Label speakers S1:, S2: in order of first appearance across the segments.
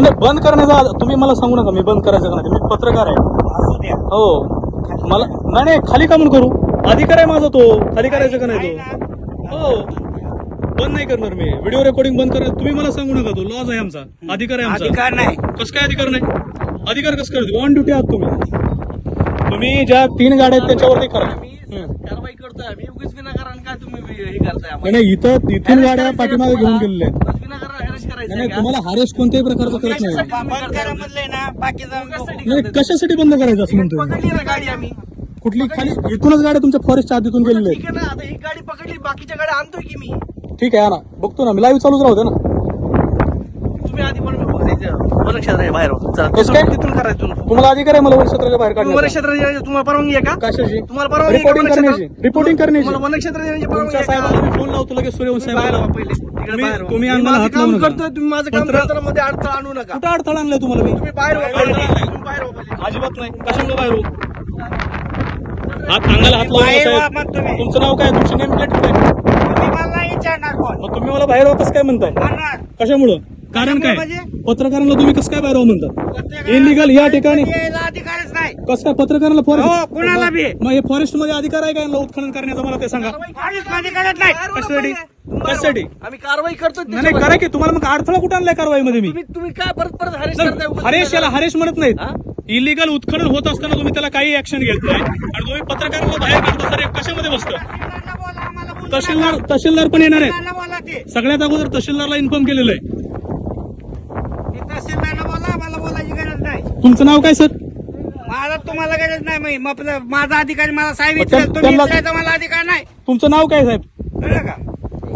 S1: नाही बंद करण्याचा तुम्ही मला सांगू नका मी बंद करायचं का नाही. मी पत्रकार आहे.
S2: असू द्या.
S1: हो मला नाही खाली का म्हणून करू. अधिकार आहे माझा तो खाली करायचं का नाही तो. हो बंद नाही करणार मी. व्हिडिओ रेकॉर्डिंग बंद करणार तुम्ही मला सांगू नका. तो लॉज आहे आमचा. अधिकार आहे आमचा.
S2: अधिकार नाही.
S1: कसं काय अधिकार नाही. अधिकार कसं करतो. ऑन ड्युटी आहात तुम्ही ज्या 3 गाड्या आहेत त्यांच्यावरती करा.
S3: कारवाई करतोय आम्ही उगीच विनाकारण काय तुम्ही हे करताय.
S1: नाही इथून गाड्या पाठीमागे घेऊन गेलेल्या आहेत.
S3: विनाकारण हॅरेस करायचं
S1: नाही तुम्हाला हॅरेस कोणत्याही प्रकारचं करत नाही.
S2: बंद करा म्हणलंय ना बाकीचं.
S1: नाही कशासाठी बंद करायचं असं म्हणतोय.
S3: पकडली ना गाडी आम्ही.
S1: कुठली खाली इथूनच गाड्या तुमच्या फॉरेस्टच्या आधीतून गेलेल्या आहेत.
S3: ठीक आहे ना आता ही गाडी पकडली बाकीच्या गाड्या आणतोय की मी.
S1: ठीक आहे ना बघतो ना मी लाईव्ह चालूच राहू दे ना.
S3: तुम्ही आधी पण वनक्षेत्र बाहेर
S1: कसं काय?
S3: तिथून करायचं.
S1: तुम्हाला अधिकार आहे मला वनक्षेत्राच्या बाहेर काढण्याचा.
S3: वनक्षेत्र तुम्हाला परवानगी आहे का.
S1: कशाची
S3: तुम्हाला परवानगी आहे का
S1: रिपोर्टिंग करण्याची. रिपोर्टिंग करण्याची
S3: तुम्हाला वनक्षेत्र देण्याची परवानगी
S1: तुमच्या
S3: आहे का?
S1: साहेबांना मी फोन लावतो लगेच सूर्यवंशी
S3: बाहेर
S1: साहेबांना.
S3: व्हा पहिले. तिकडे बाहेर व्हा.
S1: तुम्ही
S3: मी
S1: अंगाला
S3: माझं
S1: हात
S3: काम
S1: लावू नका.
S3: करतोय तुम्ही माझं काम करताना मध्ये अडथळा आणू नका.
S1: कुठं अडथळा आणलाय तुम्हाला मी.
S3: तुम्ही बाहेर व्हा पहिले. तुम्ही बाहेर व्हा पहिले.
S1: अजिबात नाही. कशामुळे बाहेर होऊ. हात अंगाला हात लावू
S2: बाहेर
S1: नका
S2: व्हा
S1: साहेब.
S2: मग तुम्ही.
S1: तुमचं नाव काय तुमची नेम प्लेट काय.
S2: तुम्ही मला नाही विचारणार कोण.
S1: मग तुम्ही मला बाहेर व्हा कसं काय म्हणताय.
S2: म्हणणार.
S1: कशामुळं कारण काय
S2: म्हणजे?
S1: पत्रकारांना तुम्ही कसं काय बाहेर व्हा म्हणतात. इलिगल या ठिकाणी
S2: यायला अधिकारच नाही.
S1: कसं काय पत्रकारांना
S2: हो,
S1: फॉरेस्ट
S2: कुणाला बी.
S1: मग हे फॉरेस्ट मध्ये अधिकार आहे का यांना उत्खनन करण्याचा मला ते सांगा.
S2: काहीच अधिकारच नाही.
S1: कशासाठी कशासाठी
S3: आम्ही कारवाई करतो.
S1: नाही करा की तुम्हाला मग अडथळा कुठं आणलाय कारवाईमध्ये मी.
S3: तुम्ही काय परत परत हॅरेस करताय उगाच.
S1: हरेश याला हरेश म्हणत
S3: हा?
S1: नाहीत. इलिगल उत्खनन होत असताना तुम्ही त्याला काही ऍक्शन घेत नाही आणि तुम्ही पत्रकारांना बाहेर काढता. सर कशामध्ये बसतं.
S2: तहसीलदारला बोला, आम्हाला बोलू नका.
S1: तहसीलदार पण येणार आहेत.
S2: तहसीलदारला बोला ते.
S1: सगळ्यात अगोदर तहसीलदारला इन्फॉर्म केलेलं आहे.
S2: ते तहसीलदारला बोला, मला बोलायची गरज नाही.
S1: तुमचं नाव काय सर.
S2: मला तुम्हाला गरज नाही. मग माझा अधिकारी मला साहेब
S1: मग
S2: विचारत तुम्ही
S1: त्यांना-
S2: विचारायचा मला अधिकार नाही.
S1: तुमचं नाव काय साहेब.
S2: कळलं का.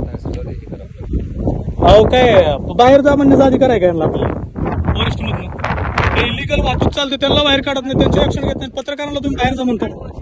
S1: अहो काय बाहेर जा म्हणण्याचा अधिकार आहे का यांना आपल्याला फॉरेस्ट मधून. ते इलिगल वाहतूक चालते त्यांना बाहेर काढत नाही त्यांचे ऍक्शन घेत नाही. पत्रकारांना तुम्ही बाहेर जा म्हणता.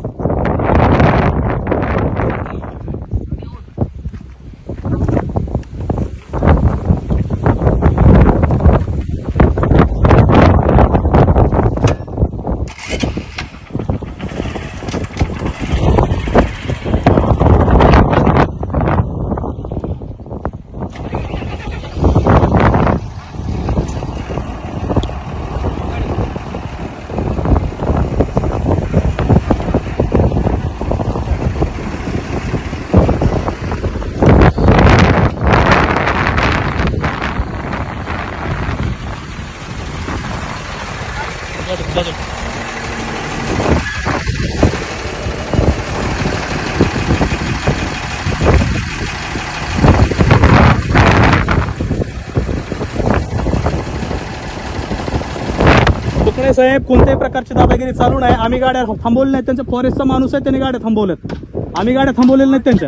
S1: कोकणे साहेब कोणत्याही प्रकारची दादागिरी चालू नाही. आम्ही गाड्या थांबवल्या नाहीत. त्यांचा फॉरेस्टचा माणूस आहे त्यांनी गाड्या थांबवल्यात. आम्ही गाड्या थांबवलेल्या नाहीत त्यांच्या.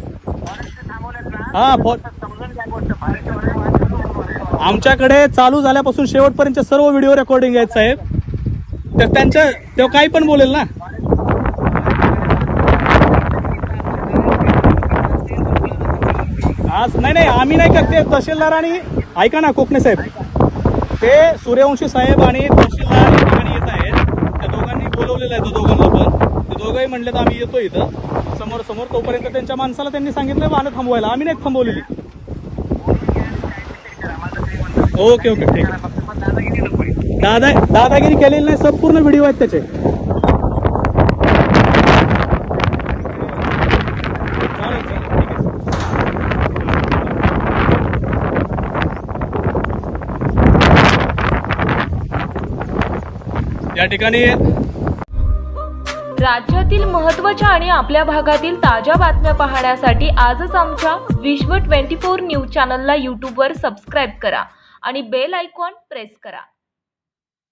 S1: हा आमच्याकडे चालू झाल्यापासून शेवटपर्यंत सर्व व्हिडिओ रेकॉर्डिंग आहेत साहेब. तर त्यांच्या तेव्हा काही पण बोलेल ना. आज नाही आम्ही नाही करते. तहसीलदारांनी ऐका ना कोकणे साहेब ते सूर्यवंशी साहेब आणि तहसीलदार या ठिकाणी येत आहेत. त्या दोघांनी बोलवलेलं आहे. दोघांना पण ते दोघंही म्हणले तर आम्ही येतो इथं समोर समोर. तोपर्यंत त्यांच्या माणसाला त्यांनी सांगितलं वाहनं थांबवायला. आम्ही नाही थांबवलेली. ओके ओके ठीक आहे. दादागिरी केलेली नाही. संपूर्ण व्हिडिओ आहेत त्याचे. या ठिकाणी
S4: राज्यातील महत्त्वाच्या आणि आपल्या भागातील ताज्या बातम्या पाहण्यासाठी आजच आमच्या विश्व 24 न्यूज चॅनलला यूट्यूबवर सबस्क्राईब करा आणि बेल आयकॉन प्रेस करा.